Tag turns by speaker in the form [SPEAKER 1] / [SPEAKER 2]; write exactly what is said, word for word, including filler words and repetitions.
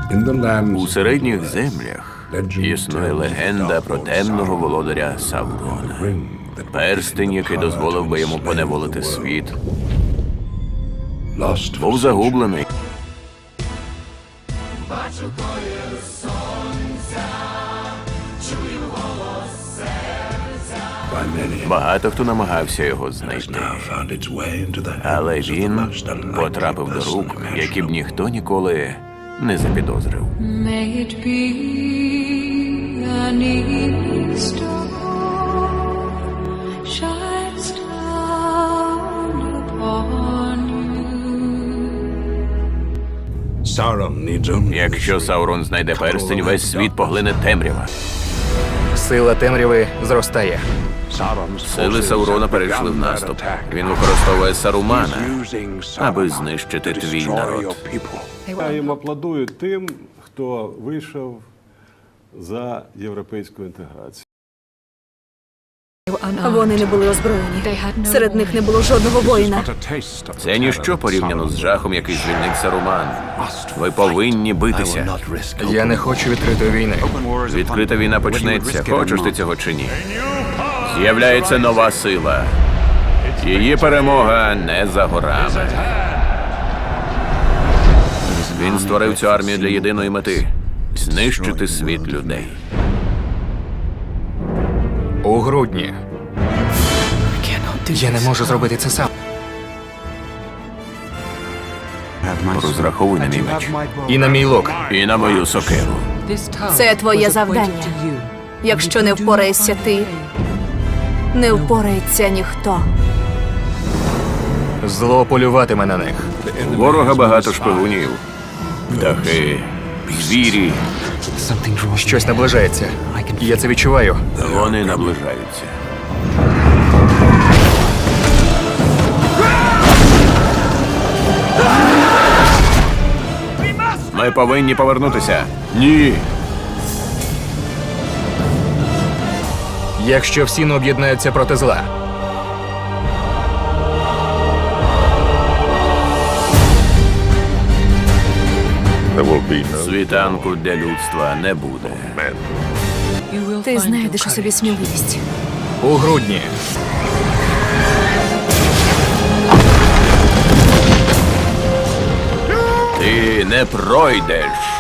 [SPEAKER 1] У середніх землях існує легенда про темного володаря Саурона. Перстень, який дозволив би йому поневолити світ, був загублений. Багато хто намагався його знайти, але він потрапив до рук, які б ніхто ніколи не запідозрив.
[SPEAKER 2] May it be an evening star shines down upon you.
[SPEAKER 1] Якщо Саурон знайде перстень, весь світ поглине темрява.
[SPEAKER 3] Сила темряви зростає.
[SPEAKER 1] Сили Саурона перейшли в наступ. Він використовує Сарумана, аби знищити твій народ.
[SPEAKER 4] Я їм аплодую тим, хто вийшов за європейську інтеграцію.
[SPEAKER 5] Вони не були озброєні. Серед них не було жодного воїна.
[SPEAKER 1] Це ніщо порівняно з жахом, який звільнив Саруман. Ви повинні битися.
[SPEAKER 3] Я не хочу відкритої війни.
[SPEAKER 1] Відкрита війна почнеться, хочеш ти цього чи ні. З'являється нова сила. Її перемога не за горами. Він створив цю армію для єдиної мети – знищити світ людей.
[SPEAKER 3] У грудні. Я не можу зробити це сам.
[SPEAKER 1] Розраховуй на мій меч.
[SPEAKER 3] І на мій лук.
[SPEAKER 1] І на мою сокиру.
[SPEAKER 5] Це твоє завдання. Якщо не впораєшся ти, не впорається ніхто.
[SPEAKER 3] Зло полюватиме на них.
[SPEAKER 1] У ворога багато шпигунів. Птахи, звірі.
[SPEAKER 3] Щось наближається. Я це відчуваю.
[SPEAKER 1] Вони наближаються. Ми повинні повернутися. Ні.
[SPEAKER 3] Якщо всі не об'єднаються проти зла.
[SPEAKER 1] Світанку для людства не буде.
[SPEAKER 5] Ти знайдеш у собі сміливість.
[SPEAKER 3] У грудні.
[SPEAKER 1] Ти не пройдеш.